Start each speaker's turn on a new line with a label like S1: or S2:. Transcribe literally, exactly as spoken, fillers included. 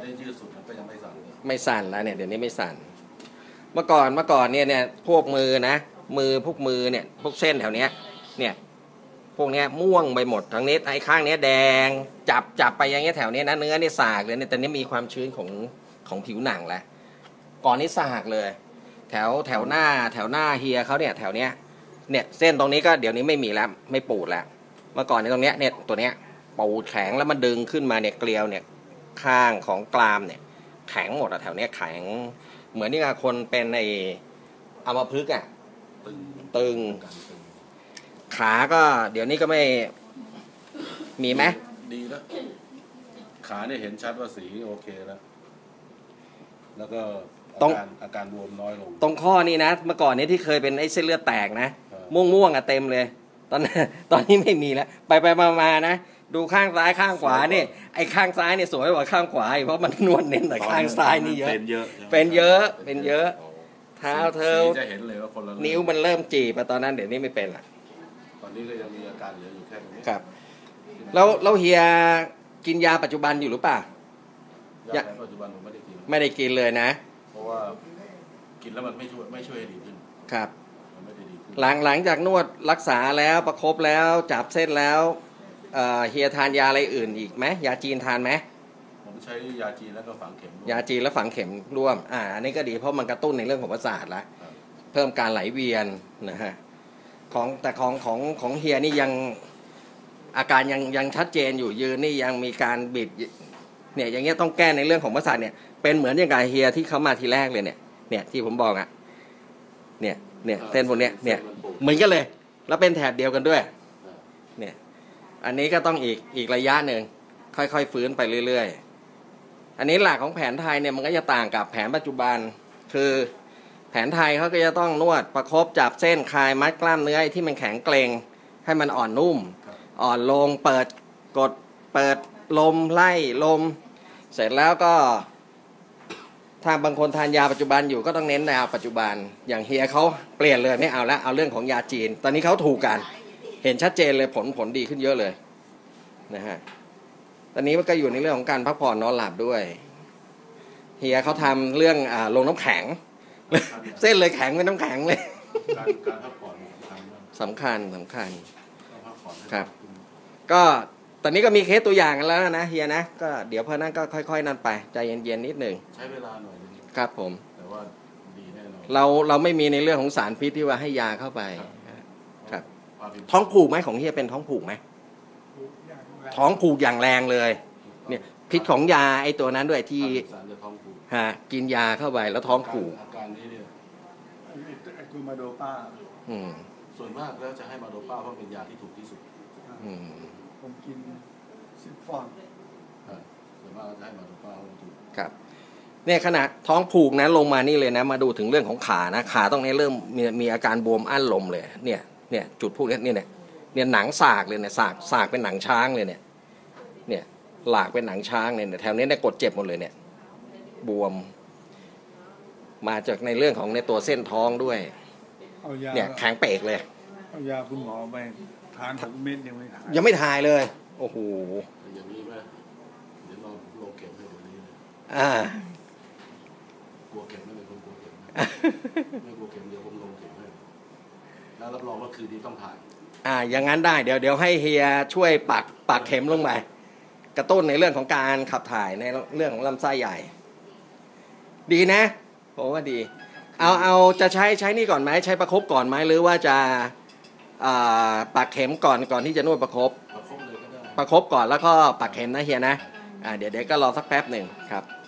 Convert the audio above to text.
S1: ได้ยืดสุดก็ยังไม่สั่น
S2: ไม่สั่นแล้วเนี่ยเดี๋ยวนี้ไม่สั่นเมื่อก่อนเมื่อก่อนเนี่ยเนี่ยพวกมือนะมือพวกมือเนี่ยพวกเส้นแถวเนี้ยเนี่ยพวกเนี้ยม่วงไปหมดทั้งนี้ไอ้ข้างเนี้ยแดงจับจับไปอย่างเงี้ยแถวเนี้ยนะเนื้อนี่สากเลยเนี่ยแต่นี้มีความชื้นของของผิวหนังแล้วก่อนนี้สากเลยแถวแถวหน้าแถวหน้าเฮียเขาเนี่ยแถวเนี้ยเนี่ยเส้นตรงนี้ก็เดี๋ยวนี้ไม่มีแล้วไม่ปูดแล้วเมื่อก่อนในตรงเนี้ยเนี่ยตัวเนี้ยปูดแข็งแล้วมันดึงขึ้นมาเนี่ยเกลียวเนี่ยข้างของกรามเนี่ยแข็งหมดอะแถวเนี้ยแข็งเหมือนที่คนเป็นในอัมพฤกษ์อะตึงตึงขาก็เดี๋ยวนี้ก็ไม่มีไหม
S1: ดีแล้วขาเนี่ยเห็นชัดว่าสีโอเคแล้วแล้วก็อาการอาการบวมน้อยลง
S2: ตรงข้อนี้นะเมื่อก่อนนี้ที่เคยเป็นไอ้เส้นเลือดแตกนะม่วงม่วงอะเต็มเลยตอนตอนนี้ไม่มีแล้วไปไปมามานะดูข้างซ้ายข้างขวาเนี่ยไอ้ข้างซ้ายเนี่ยสวยกว่าข้างขวาเพราะมันนวดเน้นแต่ข้างซ้ายนี่เยอะ
S1: เป็นเยอะ
S2: เป็นเยอะเป็นเยอะเท้าเธอ
S1: จะเห็นเลยว่าคนละ
S2: นิ้วมันเริ่มจีบตอนนั้นเดี๋ยวนี้ไม่เป็นละ
S1: ตอนนี้ก็ยังมีอาการเหลืออยู่แค่ตรงนี้
S2: ครับแล้วแล้วเฮียกินยาปัจจุบันอยู่หรือเปล่าย
S1: าปัจจุบันผมไม่ได้กิน
S2: ไม่ได้กินเลยนะ
S1: เพราะว่ากินแล้วมันไม่ช่วยไม่ช่วยให้ดีขึ้น
S2: ครับหลังหลังจากนวดรักษาแล้วประคบแล้วจับเส้นแล้วเฮียทานยาอะไรอื่นอีกไหมยาจีนทานไหม
S1: ผมใช้ยาจีนแล้วก็ฝังเข็ม
S2: ยาจีนแล้วฝังเข็มร่วมอ่าอันนี้ก็ดีเพราะมันกระตุ้นในเรื่องของประสาทละเพิ่มการไหลเวียนนะฮะของแต่ของของของเฮียนี่ยังอาการยังยังชัดเจนอยู่ยืนนี่ยังมีการบิดเนี่ยอย่างเงี้ยต้องแก้ในเรื่องของประสาทเนี่ยเป็นเหมือนอย่างกับเฮียที่เขามาทีแรกเลยเนี่ยเนี่ยที่ผมบอกอ่ะเนี่ยเนี่ยเส้นพวกเนี้ยเนี่ยเหมือนกันเลยแล้วเป็นแถบเดียวกันด้วยเนี่ยอันนี้ก็ต้องอีกอีกระยะหนึ่งค่อยๆฟื้นไปเรื่อยๆอันนี้หลักของแผนไทยเนี่ยมันก็จะต่างกับแผนปัจจุบันคือแผนไทยเขาก็จะต้องนวดประคบจับเส้นคลายมัดกล้ามเนื้อที่มันแข็งเกร็งให้มันอ่อนนุ่มอ่อนลงเปิดกดเปิดลมไล่ลมเสร็จแล้วก็ถ้าบางคนทานยาปัจจุบันอยู่ก็ต้องเน้นยาปัจจุบันอย่างเฮียเขาเปลี่ยนเลยไม่เอาแล้วเอาเรื่องของยาจีนตอนนี้เขาถูกกันเห็นชัดเจนเลยผลผลดีขึ้นเยอะเลยนะฮะตอนนี้มันก็อยู่ในเรื่องของการพักผ่อนนอนหลับด้วยเฮียเขาทำเรื่องอ่าลงน้ำแข็งเส้นเลยแข็งเป็นน้ำแข็งเลย
S1: การการพักผ่อน
S2: สำคัญสำคัญครับก็ตอนนี้ก็มีเคสตัวอย่างกันแล้วนะเฮียนะก็เดี๋ยวพอนั้นก็ค่อยๆนั่นไปใจเย็นๆนิดหนึ่ง
S1: ใช้เวลาหน่อย
S2: ครับผม
S1: แต่ว่าดีแน่นอน
S2: เราเราไม่มีในเรื่องของสารพิษที่ว่าให้ยาเข้าไปครับท้องผูกไหมของเฮียเป็นท้องผูกไหมท้องผูกอย่างแรงเลยเนี่ยพิษของยาไอ้ตัวนั้นด้วยที่ฮะกินยาเข้าไปแล้วท้องผูก
S1: อาการนี้เนี่ย
S3: ไอ้คือมาโดป้า
S2: อืม
S1: ส่วนมากแล้วจะให้มาโดป้าเพราะเป็นยาที่ถูกที่สุด
S2: อืม
S3: ผมกินสิบฟอง
S1: ส่วนมากจะให้มาโดป้าเพราะถูก
S2: ครับเนี่ยขนาดท้องผูกนะลงมานี่เลยนะมาดูถึงเรื่องของขานะขาตรงนี้เริ่มมีมีอาการบวมอั้นลมเลยเนี่ยเนี่ยจุดพวกนี้เนี่ยเนี่ยหนังสากเลยเนี่ยสากสากเป็นหนังช้างเลยเนี่ยเนี่ยหลากเป็นหนังช้างเนี่ยแถวนี้เนี่ยกดเจ็บหมดเลยเนี่ยบวมมาจากในเรื่องของในตัวเส้นท้องด้วยเนี่ยแข็งเปกเลย
S3: เอายาคุณหมอไปทานหกเม็ดยังไม่ทาน
S2: ยังไม่ทายเลยโอ้โห
S1: อย่างนี้ไหมเดี๋ยวเราโลเก็บให้เดี๋ยวนี้
S2: อ่
S1: ากลัวเก็บไม่เป็นคนกลัวเก็บไม่กลัวเก็บเดี๋ยวผมลงเก็บให้แล้วรับรองว่าคืนนี้ต้องถ่าย
S2: อ่าอย่างนั้นได้เดี๋ยวเดี๋ยวให้เฮียช่วยปักปักเข็มลงไปกระตุ้นในเรื่องของการขับถ่ายในเรื่องของลำไส้ใหญ่ดีนะผมว่าดีเอาเอาจะใช้ใช้นี่ก่อนไหมใช้ประคบก่อนไหมหรือว่าจะปักเข็มก่อนก่อนที่จะนวดประคบ
S1: ประคบเลยก็ได้
S2: ประคบก่อนแล้วก็ปักเข็มนะเฮียนะอ่าเดี๋ยวเดี๋ยวก็รอสักแป๊บหนึ่งครับ